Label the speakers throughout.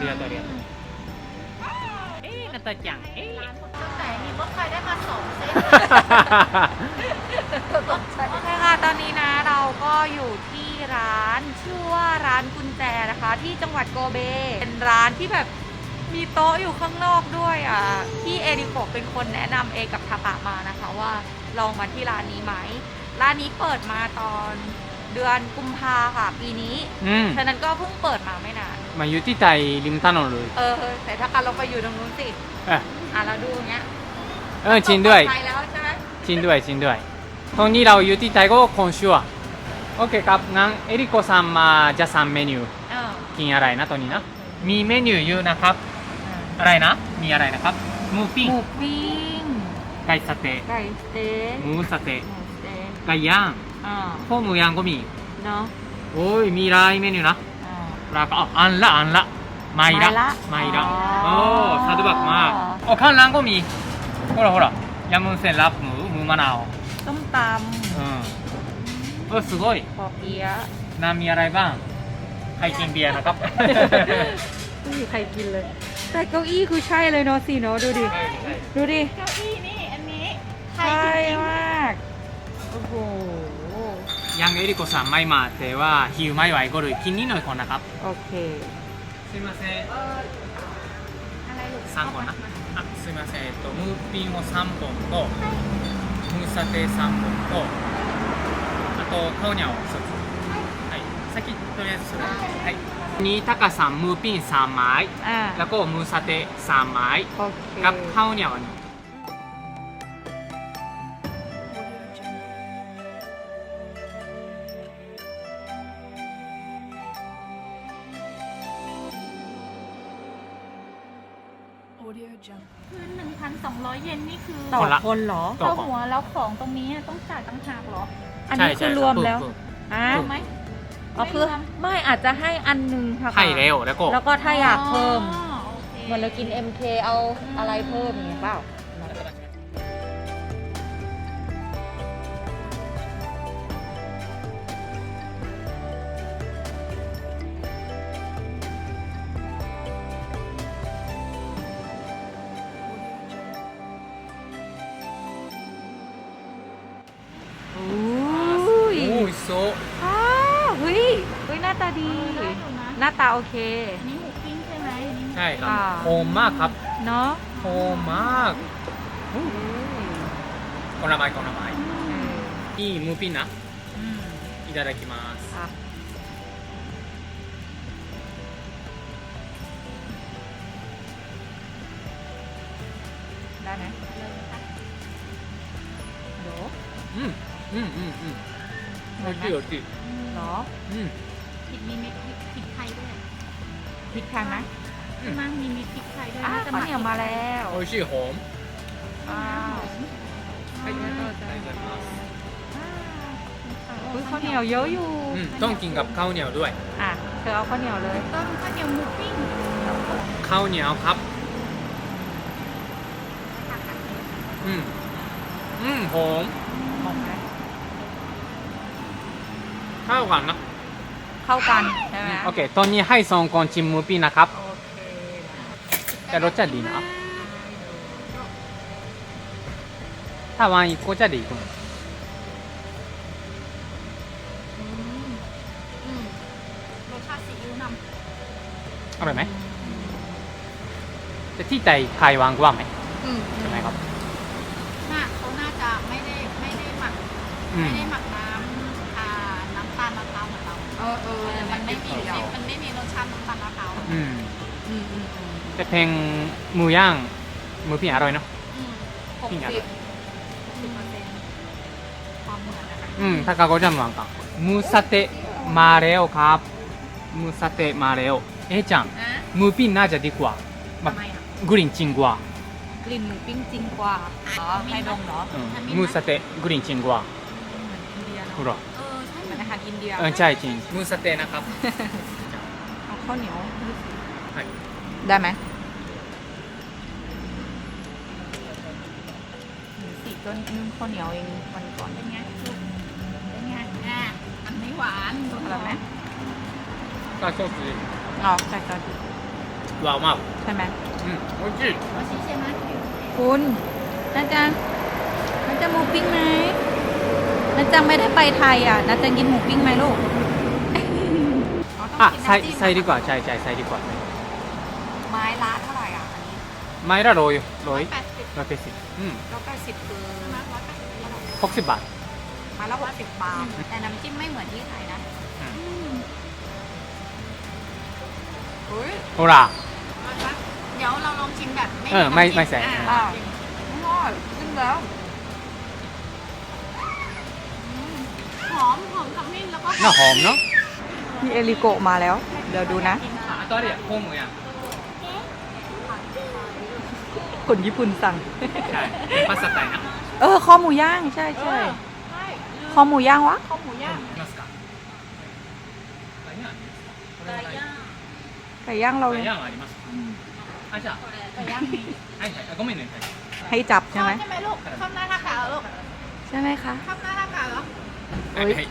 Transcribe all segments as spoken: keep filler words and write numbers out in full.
Speaker 1: がとうありがとうเอ๊ะนาตาจังเอ๊ะ
Speaker 2: แต่มีรถไฟได้มาสองเส้น
Speaker 3: โอเคค่ะตอนนี้นะเราก็อยู่ที่ร้านชื่อว่าร้านกุญแจนะคะที่จังหวัดโกเบเป็นร้านที่แบบมีโต๊ะอยู่ข้างนอกด้วยอ่ะที่เอริโกะเป็นคนแนะนำเอกับทาปะมานะคะว่าลองมาที่ร้านนี้ไหมร้านนี้เปิดมาตอนเดือนกุมภาค่ะปีนี้
Speaker 1: อืม
Speaker 3: ฉะนั้นก็เพิ่งเปิดมาไม่นาน
Speaker 1: มาอยู่ที่ไทยริมถนนเลย
Speaker 3: เออแต่ถ้าการเราไปอยู่ตรงนู้นสิ
Speaker 1: เออ
Speaker 3: อ่ะเราดูอย่างเงี้ย
Speaker 1: เออจริงด้วย
Speaker 3: ไปแล้วใช่ไหม
Speaker 1: จริงด้วยจริงด้วยตอนนี้เราอยู่ที่ไทยก็今週はโอเคครับงั้นเอริโกซังมาจะสั่งเมนู
Speaker 3: เออ
Speaker 1: กินอะไรนะตอนนี้นะมีเมนูเยอะนะครับอะไรนะมีอะไรนะครับหมูปิ้ง
Speaker 3: หมูปิ้ง
Speaker 1: ไก่สะเต๊ะ
Speaker 3: ไก่สเต๊ก
Speaker 1: หมูสะเต๊ะ
Speaker 3: หมูสเต๊ก
Speaker 1: ไก่ย่าง
Speaker 3: อ่า
Speaker 1: ข้าวหมูย่างก็มี
Speaker 3: เนาะ
Speaker 1: โอ้ยมีหลายเมนูนะ
Speaker 3: อ่า
Speaker 1: แล้วก็อันละอันละไม่ละ
Speaker 3: ไม่
Speaker 1: ไม่
Speaker 3: ละ
Speaker 1: ละ
Speaker 3: อ๋อ
Speaker 1: โอ้สะดวกมากโอ้ข้างล่างก็มีほらほらยำมุนเส้นรับหมูหมูมะนาว
Speaker 3: ส้มต
Speaker 1: อืมเออすごい
Speaker 3: ำปอเปี๊ยะ
Speaker 1: น้ำมีอะไรบ้างใครกินเบียร์นะครับ
Speaker 3: ไม่มีใครกินเลย แต่เก้าอี้คือใช่เลยเนาะสิเนาะดูดิ ดูดิ
Speaker 2: เก้าอี้นี่อันนี้ใคร
Speaker 3: ใช่
Speaker 2: จริง
Speaker 3: มาก โอ้โห
Speaker 1: ยังเอริโกさんไม่มาแต่ว่าหิวไม่ไหวก็เลยกินนิดหน่อยก่อนนะครับ
Speaker 3: โอเค
Speaker 1: すいません
Speaker 2: อะไรลูก
Speaker 1: さんこんなあすいませんえっとムーピンをさんぼんとムーサテさんぼんとあとカオニャをひとつはい先とりあえずそれはいนี่タカさんムーピンさんไม้
Speaker 3: อ่า
Speaker 1: แล้วก็มูสาเตะสามไม้
Speaker 3: โอเค
Speaker 1: กับข้าวเหนียวอันนี้
Speaker 2: คือหนึ่งพันสองร้อยเยนนี่คือ
Speaker 3: ต่อคนเหรอ
Speaker 1: ต่อ
Speaker 2: เท่าหัวแล้วของตรงนี้ต้องจ่ายต่างหากเหรอ
Speaker 3: อันนี้คือรวมแล้ว
Speaker 1: ถูก
Speaker 3: อ่า
Speaker 2: ถูกไหม
Speaker 3: อ๋อคือไม่อาจจะให้อันหนึงค่ะ
Speaker 1: ๆให้เร็วแล้วก็
Speaker 3: แล้วก็ถ้าอยากเพิ่ม
Speaker 2: อ๋อโอเค
Speaker 3: เหมือนเรากิน เอ็ม เค เอาอะไรเพิ่มอย่างเงี้ยเปล่า โอ้ย
Speaker 1: โอ้ยโซ
Speaker 3: อ้าวเฮ้ยเฮ้ยหน้าตาดี
Speaker 2: ได้อยู่นะ
Speaker 3: หน้าตาโอเค
Speaker 2: อันนี้หมูปิ้งใช่ไหมอันนี้
Speaker 1: ใช่ครับ
Speaker 3: อ่า
Speaker 1: โฮมมากครับ
Speaker 3: เนาะ
Speaker 1: โฮมมากคนละไม้คนละไม้นี่มูปินนะ
Speaker 3: อืม
Speaker 1: いただきます
Speaker 3: ครับ ได้ไหมโห
Speaker 1: อืมอืมอืมอืมโอเคโอเค
Speaker 3: เหรอ
Speaker 1: อืม
Speaker 2: พริกมีเม็ดพริกพริกไทยด้วย
Speaker 3: พริกแพงไหม
Speaker 1: อืม
Speaker 2: มั่งมีเม็ดพริกไทยด้วย
Speaker 3: อ้าว
Speaker 2: จะ
Speaker 3: ข้าวเหนียวมาแล้ว
Speaker 1: โอชิหอม
Speaker 3: อ้าว
Speaker 1: はいありがとうございます
Speaker 3: อุ้ยข้าวเหนียวเยอะอยู่
Speaker 1: อืมต้องกินกับข้าวเหนียวด้วย
Speaker 3: อ่ะเธอเอาข้าวเหนียวเลย
Speaker 2: ต้มข้าวเหนียวหมูปิ้ง
Speaker 1: ข้าวเหนียวครับอืมอืมหอม
Speaker 3: มองไหม
Speaker 1: เข้ากันนะ
Speaker 3: เข้ากันใช่ไหม
Speaker 1: โอเคตอนนี้ให้สองคนชิมมูปินนะครับ
Speaker 3: โอเค
Speaker 1: แต่รสชาติดีนะถ้าวางอีกก็จะดีกว่า
Speaker 2: อืมอืมรสชาติซีอิ๊วน
Speaker 1: อร่อยไหมแต่ที่ไทยไทยวางกว่าไหม
Speaker 2: ำอืม
Speaker 1: ใช่ไหมครับ
Speaker 2: น่าเขาน่าจะไม่ได้ไม่ได้หมัก
Speaker 1: อื
Speaker 2: ไม่
Speaker 1: ม
Speaker 2: ได้หมักน้ำอ่าน้ำตาลมะพร้าวเหมือนเรา
Speaker 3: เออเออ
Speaker 2: มันไม่มีมันไม่มีรสชาติน้ำตาลมะพร้าว
Speaker 1: อืม
Speaker 3: อืมอืมอืม
Speaker 1: แต่เพลงหมูย่างหมูปิ้งอร่อยเนาะ
Speaker 2: อืม
Speaker 3: หก
Speaker 1: ปิ้งอ
Speaker 3: สิ
Speaker 1: ร่
Speaker 3: บ
Speaker 1: อย
Speaker 2: สิบเปอร์เซ็นต์ความเหมือนนะคะ
Speaker 1: อืมถ้ากาโกจังวางกันมูสเตะมาแล้วครับมูสเตะมาแล้วเอ๊ะจัง
Speaker 2: อ่ะ
Speaker 1: หมูปิ้งน่าจะดีกว่าแบ
Speaker 2: ทำ
Speaker 1: บ
Speaker 2: ไมอ่ะ
Speaker 1: กลิ่นจริงกว่า
Speaker 3: กลิ่นหมูปิ้งจริงกว่าอ๋อให้ดมเหรอ
Speaker 1: อืมมูสเตะกลิ่นจริงกว่า
Speaker 3: เหมือนอินเดีย
Speaker 1: ほ
Speaker 3: เนาะ
Speaker 1: ら
Speaker 2: เออใช่
Speaker 3: เหมือนอาหารอินเดีย
Speaker 1: เออใช่จริงมูสเตะนะครับ
Speaker 3: เอาข้าวเหนียว
Speaker 1: はい
Speaker 3: ได้ไหมสีต้นนึ่งข้าวเหนียวเองวันก่อน
Speaker 2: เป็นไงลูกเป็นไงอ่ะมันไม่หวาน
Speaker 3: อร่อยไหม
Speaker 1: あソース
Speaker 3: อ๋อใส่ซอส
Speaker 1: わうまい
Speaker 3: ใช่ไหม
Speaker 1: うん美味しい
Speaker 2: ว่าชิเชมะ
Speaker 3: คุณนาจังนาจังหมูปิ้งไหมนาจังไม่ได้ไปไทยอ่ะนาจังกินหมูปิ้งไหมลูก
Speaker 1: あサイサイリコはチャイチャイサイリコは
Speaker 3: ไม้ละเท่าไหร่อ่ะอันนี้
Speaker 1: マイラローよロイ
Speaker 2: แปดสิบ
Speaker 1: ロイペシうん
Speaker 3: ร้อยแปดสิบคือ
Speaker 2: มาร้อยแปดสิบ
Speaker 1: หกสิบบาท
Speaker 3: ไม้ละหกสิบบาทแต่น้ำจิ้มไม่เหมือนที่ไทยนะ
Speaker 1: อืม
Speaker 3: อืมอุ้ย
Speaker 1: ほら
Speaker 2: เดี๋ยวเราลองชิมแบบไม่
Speaker 1: เออไม่ไม่ใส่
Speaker 2: อ่า
Speaker 3: อ่าอร่อยขึ้นแล้ว
Speaker 2: หอมหอมขมิ้นแล้วก็
Speaker 1: น่าหอมเนาะ
Speaker 3: มีเอลิโกะมาแล้ว เดี๋ยวดูนะ
Speaker 1: あとあれやホームやん
Speaker 3: คนญี่ปุ่นสั่ง
Speaker 1: ใช่パスタたいな
Speaker 3: เออคอหมูย่างใช่ใช่
Speaker 2: ใช่
Speaker 3: คอหมูย่างวะ
Speaker 2: ข้าวหมูย่าง
Speaker 1: いますかไก่ย่างこれはない
Speaker 3: ไก่ย่างเรา
Speaker 1: ไก่ย่างはありますあじゃあ
Speaker 2: ไก่ย่างมี
Speaker 1: はいはいあごめんねはい
Speaker 3: ให้จับใช่ไหม
Speaker 2: ใช่ไหมลูกข้าวหน้าท่ากาเหรอลูก
Speaker 3: ใช่ไหมคะ
Speaker 2: ข้าวหน้าท่ากาเหรอ
Speaker 1: はいはい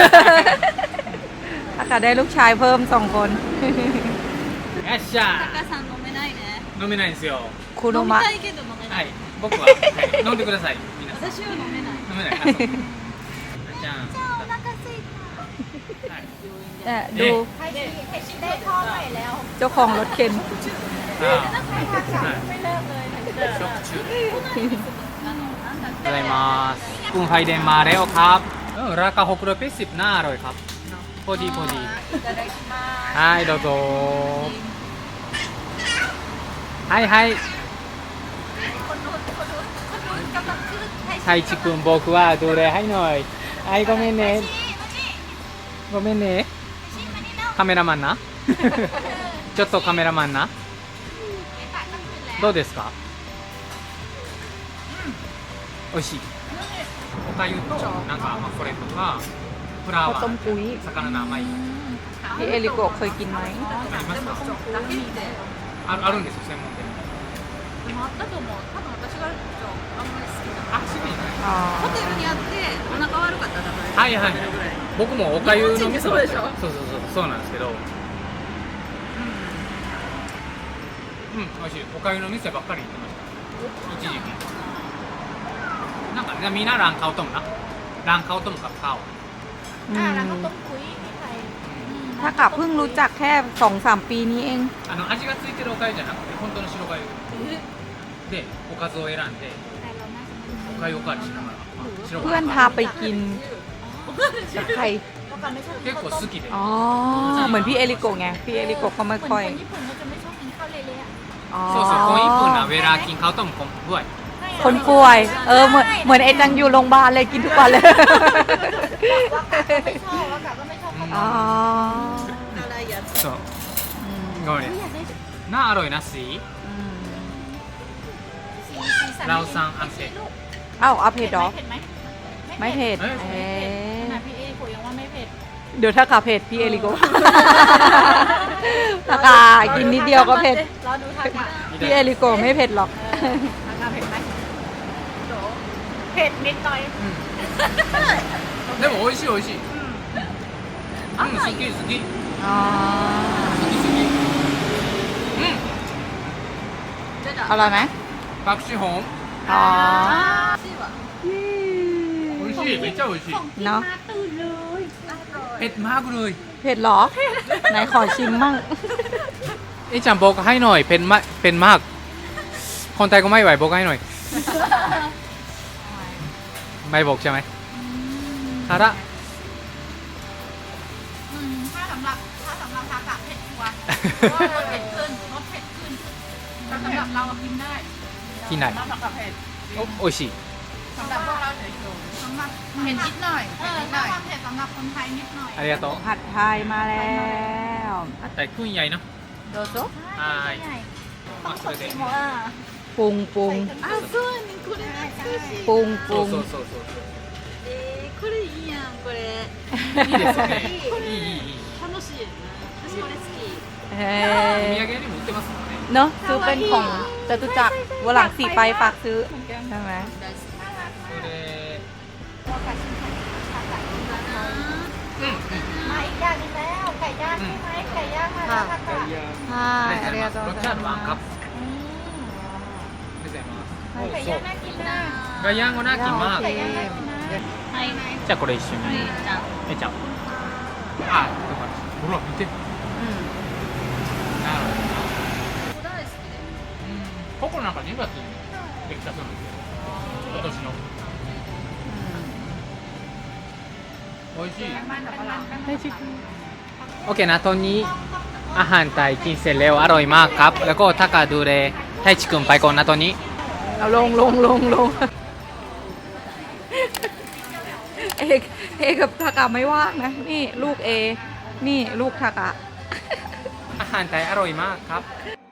Speaker 3: อากาศได้ลูกชายเพิ่มสองคน
Speaker 1: よっしゃ
Speaker 2: タカさん飲めないね
Speaker 1: 飲めないんですよ
Speaker 3: คุโนมะ
Speaker 2: いけど飲め
Speaker 1: はい僕は、はい、飲んでください皆さん
Speaker 2: 私は飲めない
Speaker 1: 飲めないあそうじゃあ
Speaker 2: お腹すいた
Speaker 1: はい
Speaker 3: เนี่ยดู
Speaker 2: ให้ชิให้ชิได้ทอดใหม่แล้ว
Speaker 3: เจ้าของรถเข็น
Speaker 1: あ
Speaker 2: ไม่เลิกเลยเหมือนเดิม
Speaker 1: 食中
Speaker 2: あのなんだっ
Speaker 1: ございますคุณไฟเดนมาแล้วครับเออราคาหกร้อยแปดสิบน่าอร่อยครับพอดีพอดีはいどうぞはいはい
Speaker 2: คนนู้นคนนู้นคนนู้นกำลังขึ้นให้
Speaker 1: 太一くん僕はどれはいหน่อยはいごめんねごめんねカメラマンなちょっとカメラマンなどうですか美味しいおかゆとなんかまあこれとかフラ
Speaker 3: ข้าว
Speaker 1: ワ
Speaker 3: ต้ม
Speaker 1: ー
Speaker 3: กุ้ย
Speaker 1: 魚の甘い
Speaker 3: พี่เอลิโกะเคยกินไหม
Speaker 1: ありますか
Speaker 2: ラッキーで
Speaker 1: ああるんですよ専門店
Speaker 2: でもあったと思う多分私があんまり好きじゃない
Speaker 1: あ好きじゃない
Speaker 3: อ๋อ
Speaker 2: ホテルにあってお腹悪かったら食べ
Speaker 1: はいはい僕もおかゆの
Speaker 2: 日本人ってそうでしょ
Speaker 1: そうそうそうそうなんですけどうん美味しいおかゆの店ばっかり行ってました一時期なんかねみんなランカオトムなランカオトムกับข้าว
Speaker 3: อื
Speaker 2: อ่าม แล้วก็ต้มคุยที่ไทย
Speaker 3: ถ้ากะเพิ่งรู้จักแค่สองสามปีนี้เอง
Speaker 1: あの味がついてるおかゆじゃなくて本当の白がゆでおかずを選んで
Speaker 2: แต่เราน่าจะไม่
Speaker 1: おかゆおかわりしながら白
Speaker 3: เพื่อนพาไปกินกับใคร
Speaker 2: เพราะกันไม่ชอบกิน
Speaker 1: 結構
Speaker 2: ข้าว
Speaker 1: 好
Speaker 2: ต้ม
Speaker 1: きで
Speaker 3: อ๋อ เหมือนพี่เอลิโกะไง พี่เอลิโกะเขาไม่
Speaker 2: เหมือน
Speaker 3: ค่อย
Speaker 2: คนญี่ปุ่นเขาจะไม่ชอบกินข้าวเละๆอะ
Speaker 3: อ๋อ
Speaker 1: そうそうคนญี่ปุ่นอะเวลากินข้าวต้มคนด้วย
Speaker 3: คนป่วย เออ เหมือนเหมือนไอจังอยู่โรงพยาบาลเลยกินทุกวันเลย
Speaker 2: ว่ากะก็ไม่ชอบว่ากะก็ไม่ชอบข้าว
Speaker 3: อ๋
Speaker 2: ต้
Speaker 3: อ
Speaker 2: มอะไรอย่าง
Speaker 1: そう
Speaker 3: อืม
Speaker 1: ごめん
Speaker 2: ไม่
Speaker 1: ね
Speaker 2: อยากได้สี
Speaker 1: น่าอร่อยนะสี
Speaker 3: อืม
Speaker 2: สีสัน
Speaker 1: เราสั่งอันเสร็จ
Speaker 2: ลูก
Speaker 3: เอ้าเอาเผ็ดเหรอ
Speaker 2: เผ็ดไหม
Speaker 3: ไม่เผ็ด
Speaker 1: เอ้ย
Speaker 3: เอ๊ะ
Speaker 2: ขนาดพี่เอคุยยังว่าไม่เผ็ด
Speaker 3: เดี๋ยวถ้ากะเผ็ดพี่เอลิโกะ ถ้ากะกินนิดเดียวก็เผ็ด
Speaker 2: รอดูทากะ
Speaker 3: พี่เอลิโกะไม่เผ็ดหรอก
Speaker 2: ทากะเผ็ดไหมโดเผ็ดนิดหน่อย
Speaker 1: でも美味しい美味しいうん好き好き
Speaker 3: อ๋อ
Speaker 1: 好き好きうん
Speaker 3: อร่อยไหม
Speaker 1: パクチーホーム
Speaker 3: อ๋อ
Speaker 1: 美味しいめっちゃ美味しい
Speaker 3: เนาะ
Speaker 2: มาตื่นเลยอร่อย
Speaker 1: เผ็ดมากเลย
Speaker 3: เผ็ดเหรอ ไหนขอชิมมั่ง
Speaker 1: เอ๊ะจำบอกให้หน่อยเผ็ดมากเผ็ดมาก คนไทยก็ไม่ไหวบอกให้หน่อย ไม่บอกใช่ไหมคาระ
Speaker 2: อืมถ้าสำหรับถ้าสำหรับทากะเผ็ดกว่าเพราะว่ารสเผ็ดขึ้นรสเผ็ดขึ้นแต่สำหรับเราอะกินได้
Speaker 1: ที่ไหน
Speaker 2: สำหรับทากะเผ็ด
Speaker 1: โอ้โอ้ยชิ
Speaker 2: สำหรับพวกเราเฉยๆสำหรับเผ็ดนิดหน่อยเออถ้าความเผ็ดสำหรับคนไทยนิดหน่อย
Speaker 1: ありがとう
Speaker 3: ผัดไทยมาแล้ว
Speaker 1: แต่กุ้งใหญ่เนอะ
Speaker 3: โดโซ
Speaker 1: はい
Speaker 2: ต้องคนชิมอ่ะ
Speaker 3: ปรุงปรุง
Speaker 2: あ、そうね、これ懐かしい。
Speaker 3: ปรุงป
Speaker 1: そ
Speaker 3: รุ
Speaker 1: う
Speaker 3: ง
Speaker 1: そうそうそう
Speaker 2: えー、これいいやん、これ。
Speaker 1: いいですよねいいいいいい
Speaker 2: 楽しいよね。私これ好き。
Speaker 3: เฮ้
Speaker 1: お土
Speaker 3: ย
Speaker 1: 産にも売ってますもんね
Speaker 3: เนอะซื้อเป็นของจตุจักรวันหลังสี่ไปฝากซื้อ ใช่ไหม
Speaker 2: 大好き。
Speaker 1: それ
Speaker 2: มาอีกอย่างนึงแล้วไก่ย่างใช่ไหมไก่ย่างมาแ
Speaker 3: ค่ะ
Speaker 2: タカ
Speaker 3: はいありがとうご
Speaker 1: ロッチャーのワンカップございます。
Speaker 2: ไก่ย่างน่ากินนะ
Speaker 1: ガヤンゴナキマー
Speaker 2: ไก่ย่างน่ากินนะ
Speaker 3: はい
Speaker 1: じゃあこれ一緒に
Speaker 3: じゃあ
Speaker 1: えちゃんあほら見てなるほど
Speaker 2: 大好きで
Speaker 1: ここなんかにがつにできたそうなんですよ今年の美味しい
Speaker 2: มันกับเรา
Speaker 1: โอเคนะตอนนี้อาหารไทยกินเสร็จแล้วอร่อยมากครับ แล้วก็ถ้ากาดูแลไทชิคุนไปก่อนนะตอนนี้
Speaker 3: เอาลงลงลงลงเอกเอกับทากะไม่ว่างนะ นี่ลูกเอ นี่ลูกทากะ
Speaker 1: อาหารไทยอร่อยมากครับ
Speaker 3: อ